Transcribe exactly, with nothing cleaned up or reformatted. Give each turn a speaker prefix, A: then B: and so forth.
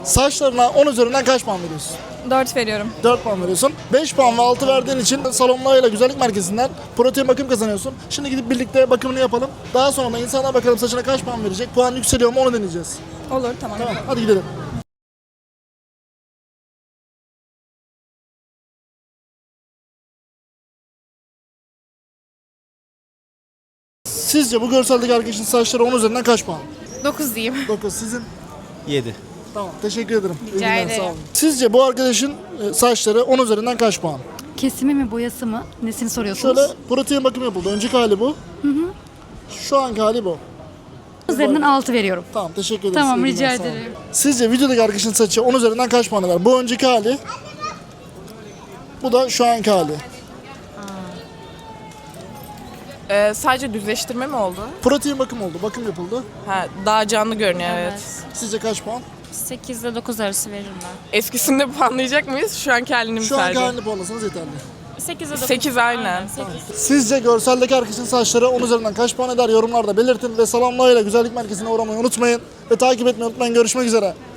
A: Saçlarına on üzerinden kaç puan veriyorsun?
B: dört veriyorum.
A: dört puan veriyorsun. beş puan ve altı verdiğin için salonlarıyla güzellik merkezinden protein bakım kazanıyorsun. Şimdi gidip birlikte bakımını yapalım. Daha sonra da insanlar bakalım saçına kaç puan verecek. Puan yükseliyor mu onu deneyeceğiz.
B: Olur, tamam.
A: Tamam, hadi gidelim. Sizce bu görseldeki arkadaşın saçları on üzerinden kaç puan?
B: dokuz diyeyim.
A: dokuz. Sizin?
C: yedi.
A: Tamam, teşekkür ederim. İyi
B: Rica
A: günler,
B: ederim.
A: sağ olun. Sizce bu arkadaşın e, saçları on üzerinden kaç puan?
D: Kesimi mi boyası mı? Nesini soruyorsunuz?
A: Şöyle protein bakımı yapıldı. Önceki hali bu. Hı hı. Şu anki hali bu.
D: Üzerinden altı veriyorum.
A: Tamam, teşekkür ederiz.
D: Tamam,
A: İyi
D: rica
A: günler, sağ olun.
D: ederim.
A: Sizce videodaki arkadaşın saçı on üzerinden kaç puan eder? Bu önceki hali. Bu da şu anki hali.
E: Ee, sadece düzleştirme mi oldu?
A: Protein bakım oldu. Bakım yapıldı.
E: Ha, daha canlı görünüyor, evet.
A: Sizce kaç puan?
F: sekiz ile dokuz arası veririm ben.
E: Eskisinde puanlayacak mıyız? Şu anki halini mi
A: Şu anki
E: sadece?
A: halini puanlasanız yeterli.
F: sekiz ile dokuz.
E: sekiz aynen.
A: Sizce görseldeki arkadaşın saçları on üzerinden kaç puan eder? Yorumlarda belirtin ve Salamla ile Güzellik Merkezi'ne uğramayı unutmayın. Ve takip etmeyi unutmayın. Görüşmek üzere.